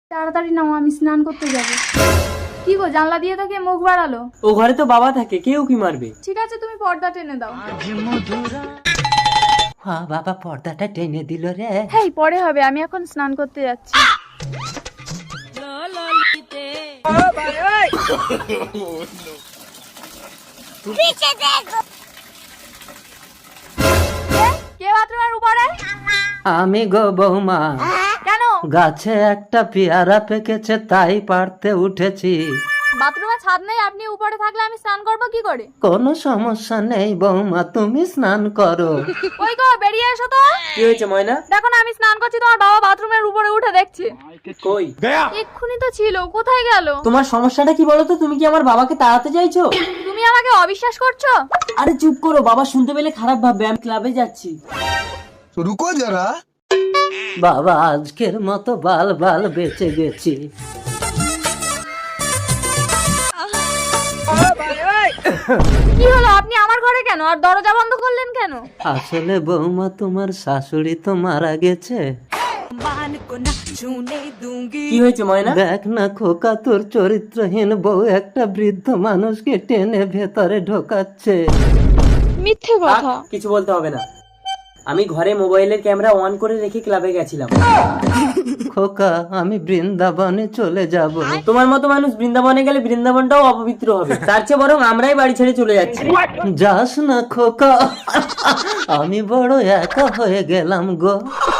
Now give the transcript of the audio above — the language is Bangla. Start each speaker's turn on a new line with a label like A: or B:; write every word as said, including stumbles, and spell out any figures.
A: তাড়াতাড়ি নাও, আমি স্নান করতে যাবো। কি গো, জানলা দিয়ে তো কে মুখ বাড়ালো?
B: ও ঘরে তো বাবা থাকে, কেউ কি মারবে?
A: ঠিক আছে, তুমি পর্দা টেনে দাও।
C: হ্যাঁ বাবা, পর্দাটা টেনে দিল রে।
A: হেই, পরে হবে, আমি এখন স্নান করতে যাচ্ছি। কে বাথরুমের উপরে?
C: আমি গো বৌমা,
A: কেন?
C: গাছে একটা পেয়ারা পেকেছে তাই পারতে উঠেছি।
A: বাথরুমে ছাদ নেই, আপনি উপরে থাকলে আমি স্নান করবো কি করে?
C: কোনো সমস্যা নেই বৌমা, তুমি স্নান করো।
A: ওই গো, বেরিয়ে এসো তো।
B: কি হয়েছে ময়না?
A: দেখো না, আমি স্নান করছি, তোমার বাবা বাথরুমের উপরে উঠে দেখছে।
B: কই?
A: এক্ষুনি তো ছিল, কোথায় গেল?
B: তোমার সমস্যাটা কি বলো তো? তুমি কি আমার বাবাকে তাড়াতে চাইছো?
A: তুমি আমাকে অবিশ্বাস করছো?
B: আরে চুপ করো, বাবা শুনতে পেলে খারাপ ভাববে। আমি ক্লাবে যাচ্ছি।
D: रुको जरा।
C: বাবা, আজকের মতো বাল বাল বেঁচে গেছি।
A: কি হলো, আপনি আমার ঘরে কেন আর দরজা বন্ধ করলেন কেন?
C: আসলে বৌমা, তোমার শাশুড়ি তো মারা গেছে।
B: কি হয়েছে ময়না?
C: দেখ না খোকা, তোর চরিত্রহীন বউ একটা বৃদ্ধ মানুষকে টেনে ভেতরে ঢোকাচ্ছে।
A: মিথ্যে
B: থাক, কিছু বলতে হবে না। আমি ঘরে মোবাইলের ক্যামেরা অন করে রেখে ক্লাবে গেছিলাম।
C: খোকা, আমি বৃন্দাবনে চলে যাব।
B: তোমার মতো মানুষ বৃন্দাবনে গেলে বৃন্দাবনটাও অপবিত্র হবে। তার চেয়ে বরং আমরাই বাড়ি ছেড়ে চলে যাচ্ছি।
C: যাস না খোকা, আমি বড় একা হয়ে গেলাম গো।